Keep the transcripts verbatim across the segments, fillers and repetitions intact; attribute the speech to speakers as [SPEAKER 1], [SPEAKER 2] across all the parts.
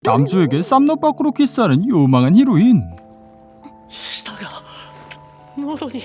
[SPEAKER 1] 남주에게 쌈넛 밖으로 키스하는 요망한 히로인.
[SPEAKER 2] 舌が喉に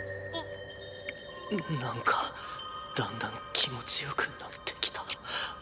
[SPEAKER 2] なんかだんだん気持ちよくなってきた。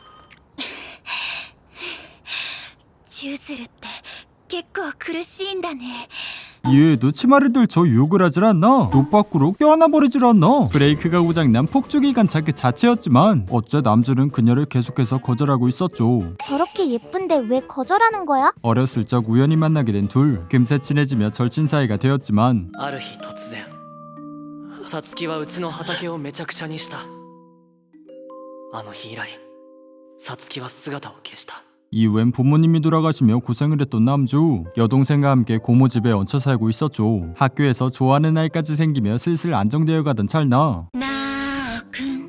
[SPEAKER 3] チューするって結構苦しいんだね。
[SPEAKER 1] 이외에도 치마를 들쳐 유혹을 하질 않나, 옷 밖으로 껴안아 버리질 않나. 브레이크가 고장난 폭주기관차 그 자체였지만 어째 남주는 그녀를 계속해서 거절하고 있었죠.
[SPEAKER 3] 저렇게 예쁜데 왜 거절하는 거야?
[SPEAKER 1] 어렸을 적 우연히 만나게 된 둘, 금세 친해지며 절친 사이가 되었지만
[SPEAKER 2] ある日突然サツキはうちの畑をめちゃくちゃにした。あの日以来サツキは姿を消した。
[SPEAKER 1] 이후엔 부모님이 돌아가시며 고생을 했던 남주, 여동생과 함께 고모 집에 얹혀 살고 있었죠. 학교에서 좋아하는 아이까지 생기며 슬슬 안정되어 가던 찰나
[SPEAKER 3] なおくん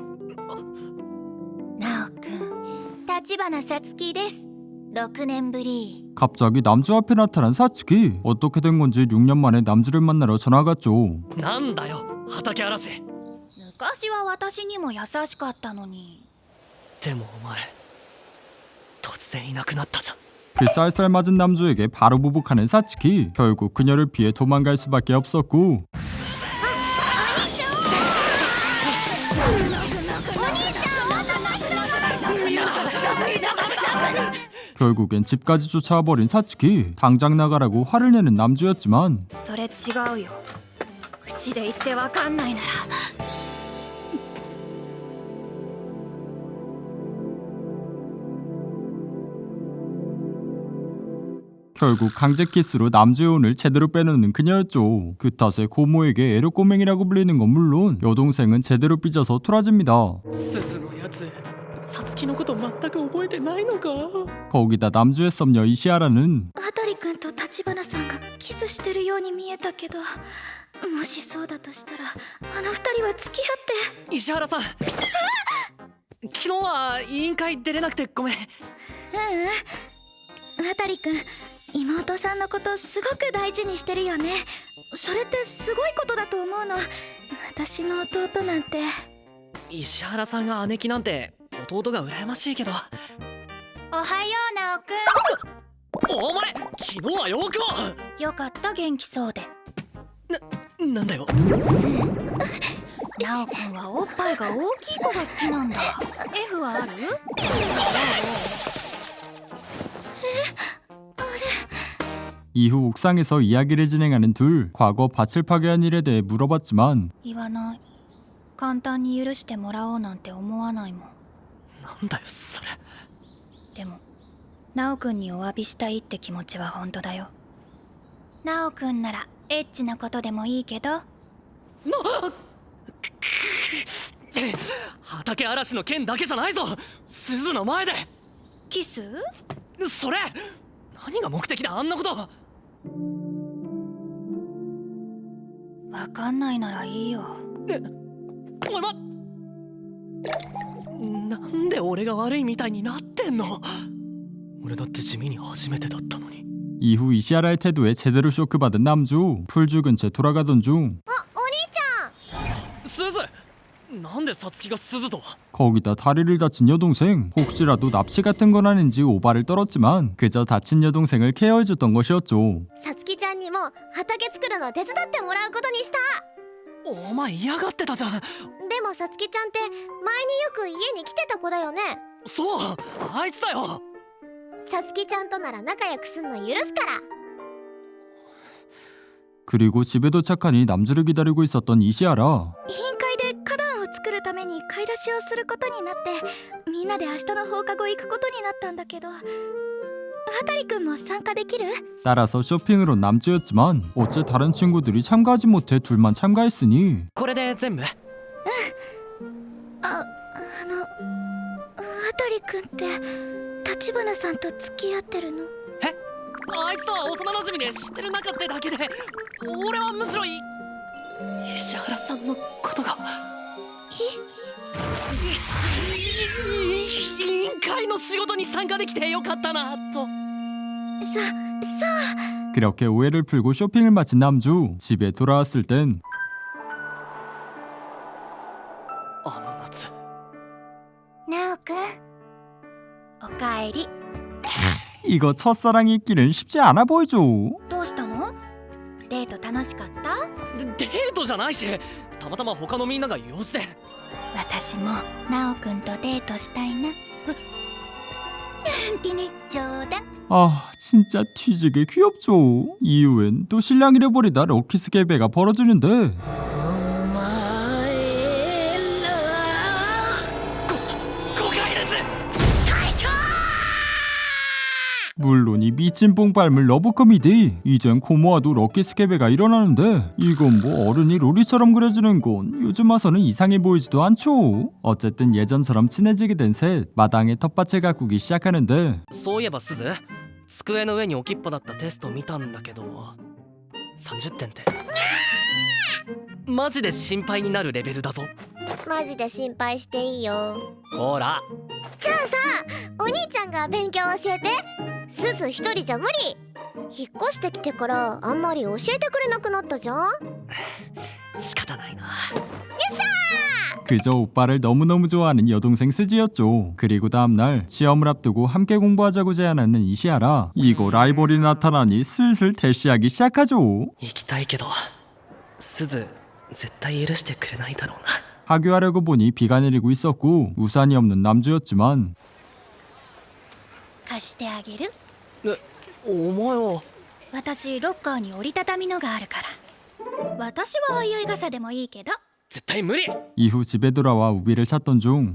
[SPEAKER 3] なおくん立花さつきです。ろくねんぶり。
[SPEAKER 1] 갑자기 남주 앞에 나타난 사츠키. 어떻게 된 건지 육 년 만에 남주를 만나러 전화 갔죠.
[SPEAKER 2] なんだよ畑嵐。
[SPEAKER 3] 昔は私にも優しかったのに。
[SPEAKER 2] でもお前突然いなくなったじゃん。
[SPEAKER 1] 그 쌀쌀 맞은 남주에게 바로 보복하는 사츠키. 결국 그녀를 피해 도망갈 수밖에 없었고, 결국엔 집까지 쫓아와 버린 사츠키. 당장 나가라고 화를 내는 남주였지만
[SPEAKER 3] それ違うよ。口で言ってわかんないなら。
[SPEAKER 1] 결국 강제 키스로 남주의 혼을 제대로 빼놓는 그녀였죠. 그 탓에 고모에게 애로꼬맹이라고 불리는 건 물론 여동생은 제대로 삐져서 토라집니다.
[SPEAKER 2] 鈴のやつサツキのこと全く覚えてないのか。
[SPEAKER 1] 거기다 남주의 썸녀 이시아라는
[SPEAKER 3] 渡くんと立花さんがキスしてるように見えたけど、もしそうだとしたらあの二人は付き合って。
[SPEAKER 2] 石原さん昨日は委員会出れなくてごめん。
[SPEAKER 3] ううん渡くん、妹さんのことすごく大事にしてるよね。それってすごいことだと思うの。私の弟なんて。
[SPEAKER 2] 石原さんが姉貴なんて弟が羨ましいけど。
[SPEAKER 3] おはよう直くん。
[SPEAKER 2] お前昨日はよくも。
[SPEAKER 3] よかった元気そうで。
[SPEAKER 2] な、なんだよ。
[SPEAKER 3] 直くんはおっぱいが大きい子が好きなんだ。 F はある？
[SPEAKER 1] 이후 옥상에서 이야기를 진행하는 둘. 과거 밭을 파괴한 일에 대해 물어봤지만
[SPEAKER 3] 言わない。簡単に許してもらおうなんて思わないもん。
[SPEAKER 2] なんだよそれ。
[SPEAKER 3] でも直くんにお詫びしたいって気持ちは本当だよ。直くんならエッチなことでもいいけど。
[SPEAKER 2] な畑嵐の件だけじゃないぞ。鈴の前で
[SPEAKER 3] キス？
[SPEAKER 2] それ何が目的だあんなこと。
[SPEAKER 3] わかんないならいいよ。
[SPEAKER 2] えお前まなんで俺が悪いみたいになってんの。俺だって地味に初めてだったのに。
[SPEAKER 1] 이후 이시아라의 태도에 제대로 쇼크받은 남주. 풀 죽은 채 돌아가던 중
[SPEAKER 2] 鈴なんでサツキが鈴と。
[SPEAKER 1] 거기다 다리를 다친 여동생. 혹시라도 납치 같은 건 아닌지 오바를 떨었지만 그저 다친 여동생을 케어해줬던 것이었죠.
[SPEAKER 3] さつきちゃんにも畑作るの手伝ってもらうことにした。
[SPEAKER 2] お前嫌がってたじゃん。
[SPEAKER 3] でもさつきちゃんって前によく家に来てた子だよね。
[SPEAKER 2] そうあいつだよ。
[SPEAKER 3] さつきちゃんとなら仲良くすんの許すから。
[SPEAKER 1] 그리고 집에 도착하니 남주를 기다리고 있었던 이시아라.
[SPEAKER 3] 委員会で花壇を作るために買い出しをすることになって、みんなで明日の放課後行くことになったんだけど、渡くんも参加できる？
[SPEAKER 1] 따라서 쇼핑을 온 남주였지만 어째 다른 친구들이 참가하지 못해 둘만 참가했으니
[SPEAKER 2] これで全部。
[SPEAKER 3] あ、あの渡くんって立花さんと付き合ってるの？
[SPEAKER 2] えあいつとは幼馴染で知ってる仲ってだけで、俺はむしろい石原さんのことが。委員会の仕事に参加できてよかったなと。
[SPEAKER 3] そ、そう。
[SPEAKER 1] 그렇게 오해를 풀고 쇼핑을 마친 남주. 집에 돌아왔을 땐
[SPEAKER 2] あの夏
[SPEAKER 3] 直くん、おかえり。
[SPEAKER 1] 이거 첫사랑이 있기는 쉽지 않아 보이죠.
[SPEAKER 3] どうしたの？デート楽しかった？
[SPEAKER 2] でデートじゃないしたまたま他のみんなが用事で。
[SPEAKER 3] 私もナオくんとデートしたいな。ってね、冗談。
[SPEAKER 1] 아 진짜 뒤지게 귀엽죠. 이후엔 또 신랑이래 버리다 럭키스케베가 벌어지는데
[SPEAKER 2] 誤解です。
[SPEAKER 1] 물론 이 미친 뽕빨물 러브 코미디. 이젠 코모아도 럭키스케베가 일어나는데 이건 뭐 어른이 로리처럼 그려지는 건 요즘 와서는 이상해 보이지도 않죠. 어쨌든 예전처럼 친해지게 된 셋 마당에 텃밭을 가꾸기 시작하는데
[SPEAKER 2] そういえばすず、机の上に置きっぱだったテスト見たんだけどさんじゅってんってマジで心配になるレベルだぞ。
[SPEAKER 4] マジで心配していいよ。
[SPEAKER 2] ほら
[SPEAKER 4] じゃあさ、お兄ちゃんが勉強教えて。すず一人じゃ無理。引っ越してきてからあんまり教えてくれなくなったじゃん。
[SPEAKER 2] 仕方ないな。
[SPEAKER 1] 그저 오빠를 너무너무 좋아하는 여동생 스지였죠. 그리고 다음날 시험을 앞두고 함께 공부하자고 제안하는 이시아라. 이거 라이벌이 나타나니 슬슬 대시하기 시작하죠.
[SPEAKER 2] 行きたいけどすず絶対許してくれないだろうな。
[SPEAKER 1] 하교하려고 보니 비가 내리고 있었고 우산이 없는 남주였지만
[SPEAKER 3] 貸してあげる。
[SPEAKER 2] え、お前は。
[SPEAKER 3] 私ロッカーに折りたたみのがあるから。私はおいおい傘でもいいけど。
[SPEAKER 2] 絶対無理。
[SPEAKER 1] 이후 집에 돌아와 우비를 찾던 중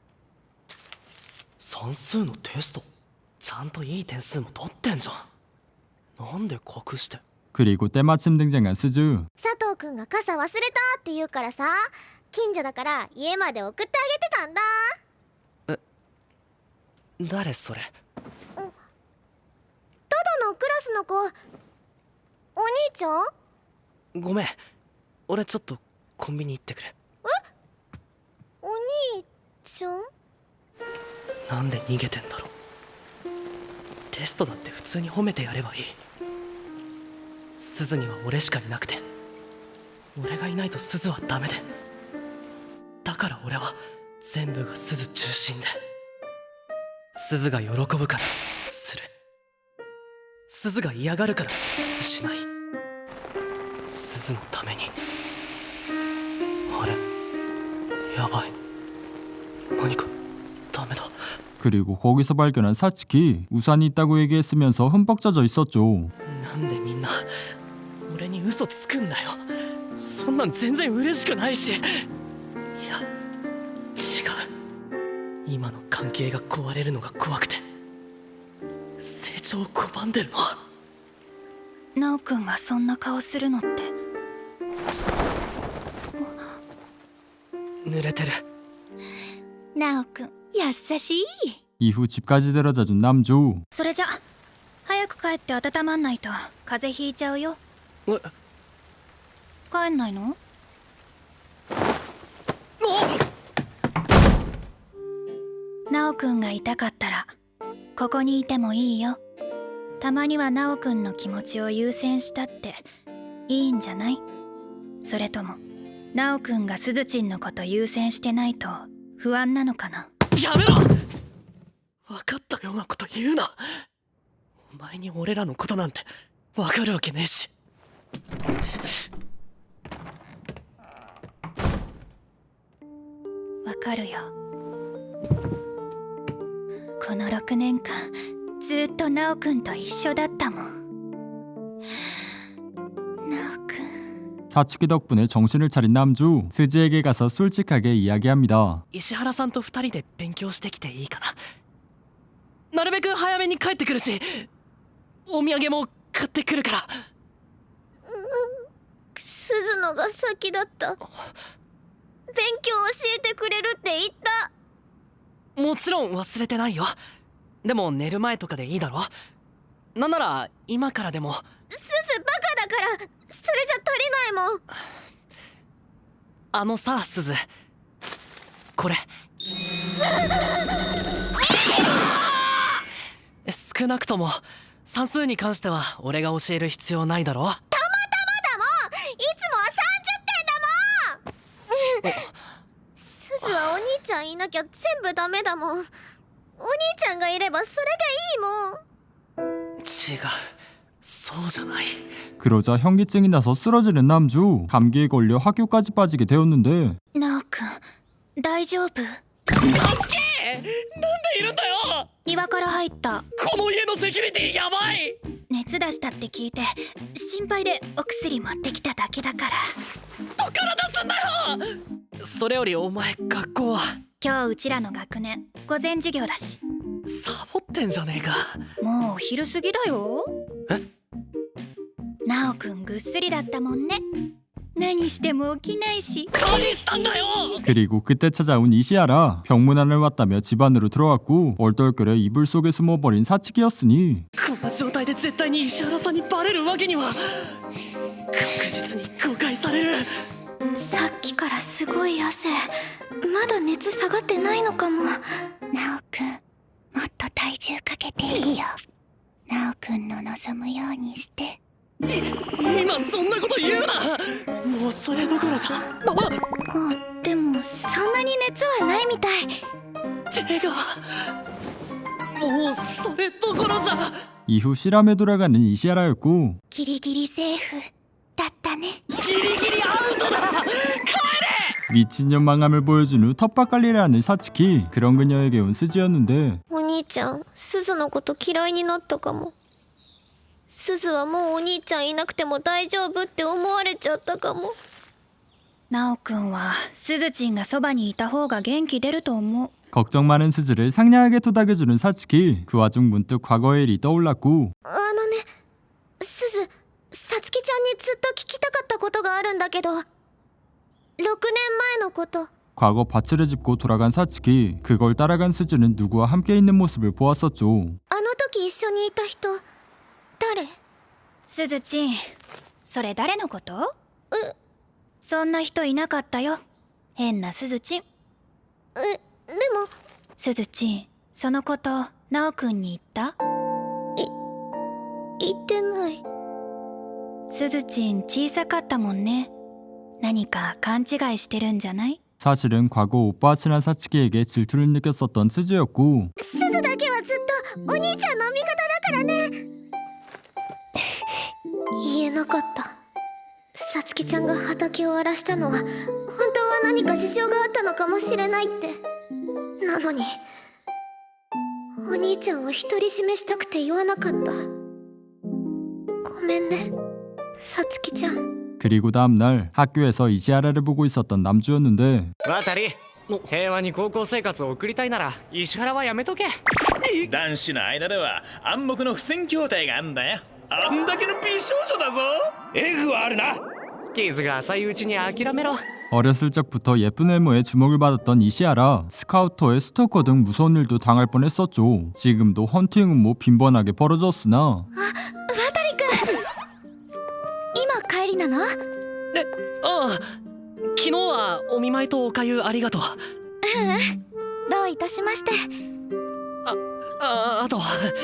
[SPEAKER 2] 算数のテストちゃんといい点数も取ってんじゃん。なんで隠して。
[SPEAKER 1] 그리고 때마침 등장한 스즈.
[SPEAKER 4] 佐藤くんが傘忘れたって言うからさ、近所だから家まで送ってあげてたんだ。
[SPEAKER 2] 誰それ。
[SPEAKER 4] ただのクラスの子。お兄ちゃん？
[SPEAKER 2] ごめん俺ちょっとコンビニ行ってくれ。
[SPEAKER 4] お兄ちゃん？
[SPEAKER 2] なんで逃げてんだろう。テストだって普通に褒めてやればいい。すずには俺しかいなくて俺がいないとすずはダメで、だから俺は全部がすず中心で、すずが喜ぶからする、すずが嫌がるからしない。すずのために。あれやばい、何かダメだ。
[SPEAKER 1] 그리고 거기서 발견한 사츠키. 우산이 있다고 얘기했으면서 흠뻑 젖어 있었죠.
[SPEAKER 2] なんでみんな俺に嘘つくんだよ。そんなん全然嬉しくないし。いや違う、今の関係が壊れるのが怖くて成長を拒んでるの。
[SPEAKER 3] ナオくんがそんな顔するのって。
[SPEAKER 2] 濡れてる。
[SPEAKER 3] ナオくん優しい。
[SPEAKER 1] 이후 집까지 데려다준 남주.
[SPEAKER 3] それじゃ早く帰って温まんないと風邪ひいちゃうよ。
[SPEAKER 2] え
[SPEAKER 3] 帰んないの？ナオくんが痛かったらここにいてもいいよ。たまにはナオくんの気持ちを優先したっていいんじゃない？それともナオくんがスズチンのこと優先してないと不安なのかな？
[SPEAKER 2] やめろ。分かったようなこと言うな。お前に俺らのことなんて分かるわけねえし。
[SPEAKER 3] わかるよ。このろくねんかんずっとナオくんと一緒だったもん。ナオくん。
[SPEAKER 1] 사츠키 덕분에 정신을 차린 남주. 스즈에게 가서 솔직하게 이야기합니다.
[SPEAKER 2] 石原さんと二人で勉強してきていいかな。なるべく早めに帰ってくるしお土産も買ってくるから。
[SPEAKER 4] すずのが先だった。勉強教えてくれるって言った。
[SPEAKER 2] もちろん忘れてないよ。でも寝る前とかでいいだろ。なんなら今からでも。
[SPEAKER 4] すずバカだからそれじゃ足りないもん。
[SPEAKER 2] あのさすず、これ少なくとも算数に関しては俺が教える必要ないだろ。
[SPEAKER 4] たまたまだもん。いつもはさんじゅってんだもん。すずはお兄ちゃんいなきゃ全部ダメだもん。お兄ちゃんがいればそれでいいもん。
[SPEAKER 2] 違う、そうじゃない。
[SPEAKER 1] 그러자 현기증이 나서 쓰러지는 남주. 감기에 걸려 학교까지 빠지게 되었는데
[SPEAKER 3] ナオくん大丈夫？
[SPEAKER 2] サツキ、なんでいるんだよ。
[SPEAKER 3] 庭から入った。
[SPEAKER 2] この家のセキュリティやばい。
[SPEAKER 3] 熱出したって聞いて心配でお薬持ってきただけだから。
[SPEAKER 2] どっから出すんだよ。それよりお前学校は？
[SPEAKER 3] 今日うちらの学年午前授業だし。
[SPEAKER 2] サボってんじゃねえか。
[SPEAKER 3] もうお昼過ぎだよ。
[SPEAKER 2] え？
[SPEAKER 3] ナオくんぐっすりだったもんね。何しても起きないし。
[SPEAKER 2] 何したんだよ。
[SPEAKER 1] 그리고 그때 찾아온 이시아라. 병문안을 왔다며 집 안으로 들어왔고 얼떨결에 이불 속에 숨어버린 사츠키였으니
[SPEAKER 2] こんな状態で絶対に石原さんにバレるわけには。確実に誤解される。
[SPEAKER 4] さっきからすごい汗。まだ熱下がってないのかも。ナオくん、もっと体重かけていいよ。ナオくんの望むようにして。
[SPEAKER 2] 今そんなこと言うな。もうそれどころじゃ。あ
[SPEAKER 4] あ、でもそんなに熱はないみたい。
[SPEAKER 2] 手がもうそれどころじゃ。
[SPEAKER 1] 이후 실험에 돌아가는 이시아라였고
[SPEAKER 4] ギリギリセーフだったね。
[SPEAKER 2] ギリギリアウトだ。帰れ。
[SPEAKER 1] 미친년 망함을 보여준 후 텃밭관리를 하는 사츠키. 그런 그녀에게 온 스즈였는데
[SPEAKER 4] お兄ちゃん、スズのこと嫌いになったかも。スズはもうお兄ちゃんいなくても大丈夫って思われちゃったかも。
[SPEAKER 3] ナオくんはスズチンがそばにいた方が元気出ると思う。
[SPEAKER 1] 걱정 많은 스즈를 상냥하게 토닥여주는 사츠키. 그 와중 문득 과거의 일이 떠올랐고
[SPEAKER 4] あのね、スズ、サツキちゃんにずっと聞きたかったことがあるんだけど、ろくねんまえのこと。
[SPEAKER 1] 과거 밭을 짚고 돌아간 사츠키. 그걸 따라간 스즈는 누구와 함께 있는 모습을 보았었죠.
[SPEAKER 4] あの時一緒にいた人、誰？
[SPEAKER 3] スズチン、それ誰のこと？そんな人いなかったよ。変なスズチン。
[SPEAKER 4] え、でも
[SPEAKER 3] スズチン、そのことナオくんに言った？
[SPEAKER 4] 言ってない。
[SPEAKER 3] スズチン小さかったもんね。何か勘違いしてるんじゃない？
[SPEAKER 1] 사실은 과거 오빠와 친한 사츠키에게 질투를 느꼈었던 스즈였고
[SPEAKER 4] スズだけはずっとお兄ちゃんの味方だからね。言えなかった。さつきちゃんが畑を荒らしたのは本当は何か事情があったのかもしれないって。なのにお兄ちゃんを独り占めしたくて言わなかった。ごめんね、さつきちゃん。
[SPEAKER 1] 그리고 다음날 학교에서 이시아라를 보고 있었던 남주였는데
[SPEAKER 5] 渡り、平和に高校生活を送りたいなら石原はやめとけ。
[SPEAKER 6] 男子の間では暗黙の不戦協定があんだよ。あんだけの美少女だぞ。 F はあるな。
[SPEAKER 5] 傷が浅いうちに諦めろ。
[SPEAKER 1] 어렸을 적부터 예쁜 외모에 주목을 받았던 이시아라. 스카우터에 스토커 등 무서운 일도 당할 뻔했었죠. 지금도 헌팅 음모 빈번하게 벌어졌으나
[SPEAKER 4] 渡りくん、今帰りなの？
[SPEAKER 2] え、ああ、昨日はお見舞いとおかゆありがとう。
[SPEAKER 4] どういたしまして。
[SPEAKER 2] あ、あ、あと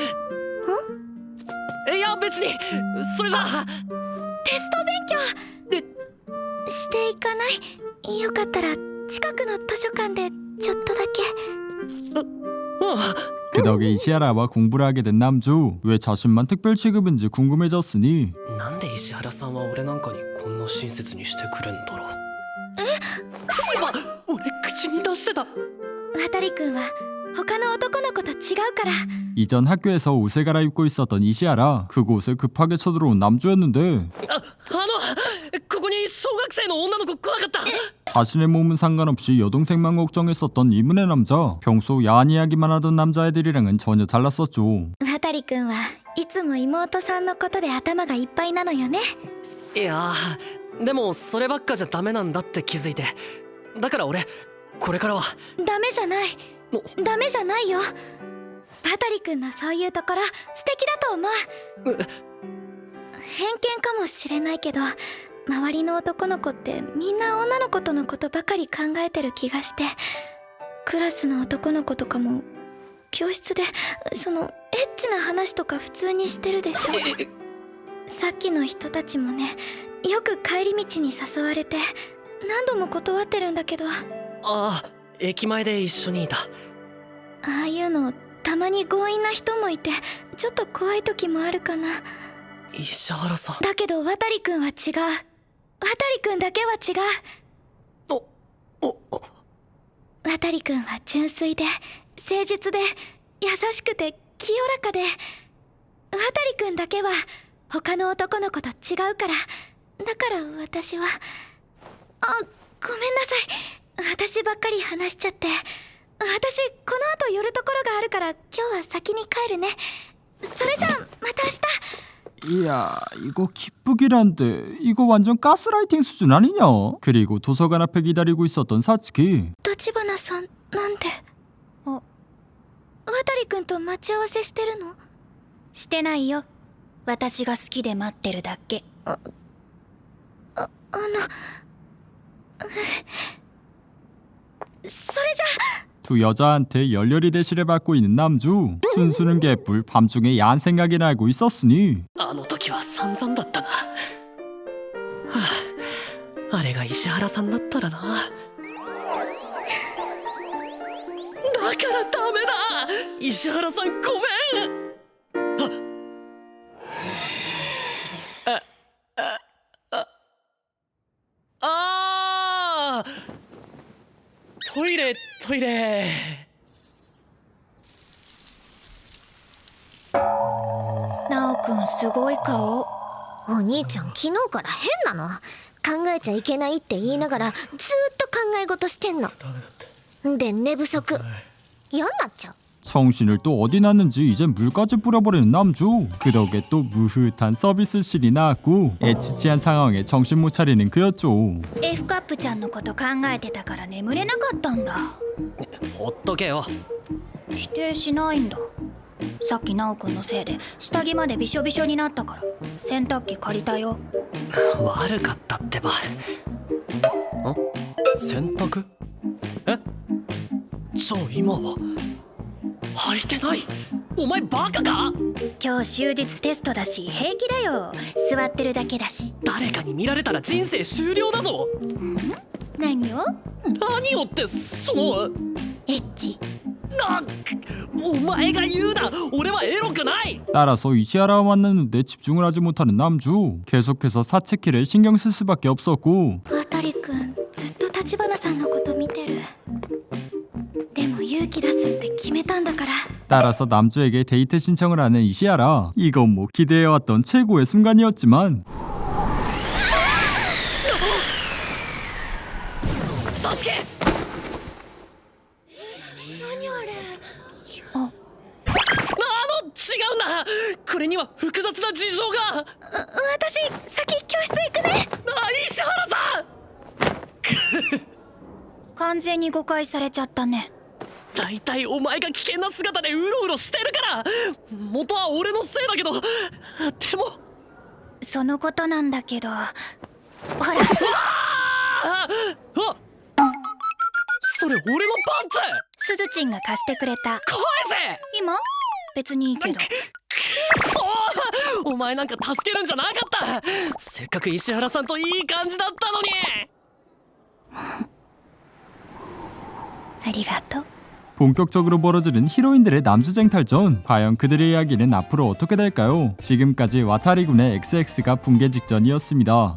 [SPEAKER 2] いや別にそれじゃあ。
[SPEAKER 4] テスト勉強していかない？よかったら近くの図書館でちょっとだけ。
[SPEAKER 2] うん。
[SPEAKER 1] 그 덕에 이시아라와 공부를 하게 된 남주. 왜 자신만 특별 취급인지 궁금해졌으니
[SPEAKER 2] なんで石原さんは俺なんかにこんな親切にしてくれんだろう。え？今俺口に出してた。
[SPEAKER 4] 渡りくんは他の男の子と違うから。
[SPEAKER 1] 이전 학교에서 옷을 갈아입고 있었던 이시아라. 그곳에 급하게 쳐들어온 남주였는데
[SPEAKER 2] あ、あのここに小学生の女の子来なかった？
[SPEAKER 1] 자신의 몸은 상관없이 여동생만 걱정했었던 이문의 남자. 평소 야한 이야기만 하던 남자애들이랑은 전혀 달랐었죠.
[SPEAKER 4] 渡りくんはいつも妹さんのことで頭がいっぱいなのよね。
[SPEAKER 2] いやでもそればっかじゃダメなんだって気づいて。だから俺これからは。
[SPEAKER 4] ダメじゃない。
[SPEAKER 2] お
[SPEAKER 4] ダメじゃないよ。渡りくんのそういうところ素敵だと思う。
[SPEAKER 2] え
[SPEAKER 4] 偏見かもしれないけど、周りの男の子ってみんな女の子とのことばかり考えてる気がして、クラスの男の子とかも教室でそのエッチな話とか普通にしてるでしょ。さっきの人たちもね、よく帰り道に誘われて何度も断ってるんだけど。あ
[SPEAKER 2] ああ、駅前で一緒にいた。
[SPEAKER 4] あいうのたまに強引な人もいてちょっと怖い時もあるかな。
[SPEAKER 2] 石原さん。
[SPEAKER 4] だけど渡くんは違う。渡くんだけは違う。
[SPEAKER 2] おおお
[SPEAKER 4] 渡くんは純粋で誠実で優しくて清らかで、渡くんだけは他の男の子と違うから。だから私は、あ、ごめんなさい。私ばっかり話しちゃって。私この後寄るところがあるから今日は先に帰るね。それじゃあまた明日。
[SPEAKER 1] 이야, 이거 기쁘기란데 이거 완전 가스라이팅 수준 아니냐? 그리고 도서관 앞에 기다리고 있었던 사츠키.
[SPEAKER 4] 立花さんなんで。
[SPEAKER 3] あ
[SPEAKER 4] 渡くんと待ち合わせしてるの？
[SPEAKER 3] してないよ。私が好きで待ってるだけ。
[SPEAKER 4] あのそれじゃあ
[SPEAKER 1] 두 여자한테 열렬히 대시를 받고 있는 남주. 순수는 개뿔 밤중에 야한 생각이 나고 있었으니
[SPEAKER 2] あの時は散々だったな。はあ、あれが石原さんだったらな。だからダメだ。石原さんごめん。あああああトイレトイレ。
[SPEAKER 3] ナオくんすごい顔。
[SPEAKER 7] お兄ちゃん昨日から変なの。考えちゃいけないって言いながらずーっと考え事してんの。で寝不足嫌になっちゃう。
[SPEAKER 1] 정신을 또 어디 놨는지 이제 물까지 뿌려버리는 남주. 그 덕에 또 무흐한 서비스실이 나왔고 애치치한 상황에 정신 못 차리는 그였죠.
[SPEAKER 3] F カップちゃんのこと考えてたから眠れなかったんだ。
[SPEAKER 2] ほっとけよ。
[SPEAKER 3] 否定しないんだ。さっきナオくんのせいで下着までびしょびしょになったから洗濯機借りたよ。
[SPEAKER 2] 悪かったってば。ん洗濯？え？じゃあ今は履いてない？お前バカか？
[SPEAKER 3] 今日終日テストだし平気だよ。座ってるだけだし。
[SPEAKER 2] 誰かに見られたら人生終了だぞ。
[SPEAKER 3] 何を？
[SPEAKER 2] 何をってその
[SPEAKER 3] エッチ。
[SPEAKER 2] なお前が言うな。俺はエロくない。
[SPEAKER 1] 따라서 이시하라와 만났는데 집중을 하지 못하는 남주. 계속해서 사츠키를 신경 쓸 수밖에 없었고
[SPEAKER 4] 渡くんずっと立花さんのこと見てる。でも勇気出すって決めたんだから。
[SPEAKER 1] 따라서 남주에게 데이트 신청을 하는 이시하라. 이건 뭐 기대해왔던 최고의 순간이었지만
[SPEAKER 2] サツケ。
[SPEAKER 4] 何あれ。
[SPEAKER 2] あの違うんだ。これには複雑な事情が。
[SPEAKER 4] 私先教室行くね。
[SPEAKER 2] あ、石原さん。
[SPEAKER 3] 完全に誤解されちゃったね。
[SPEAKER 2] だいたいお前が危険な姿でうろうろしてるから。元は俺のせいだけど。でも
[SPEAKER 3] そのことなんだけど、ほら。
[SPEAKER 2] ああ、それ俺のパンツ。
[SPEAKER 3] すずちんが貸してくれた。
[SPEAKER 2] 返せ。
[SPEAKER 3] 今？別にいいけど。
[SPEAKER 2] そうお前なんか助けるんじゃなかった。せっかく石原さんといい感じだったのに。
[SPEAKER 3] ありがとう。
[SPEAKER 1] 본격적으로 벌어지는 히로인들의 남주쟁 탈전. 과연 그들의 이야기는 앞으로 어떻게 될까요? 지금까지 와타리군의 엑스엑스가 붕괴 직전이었습니다.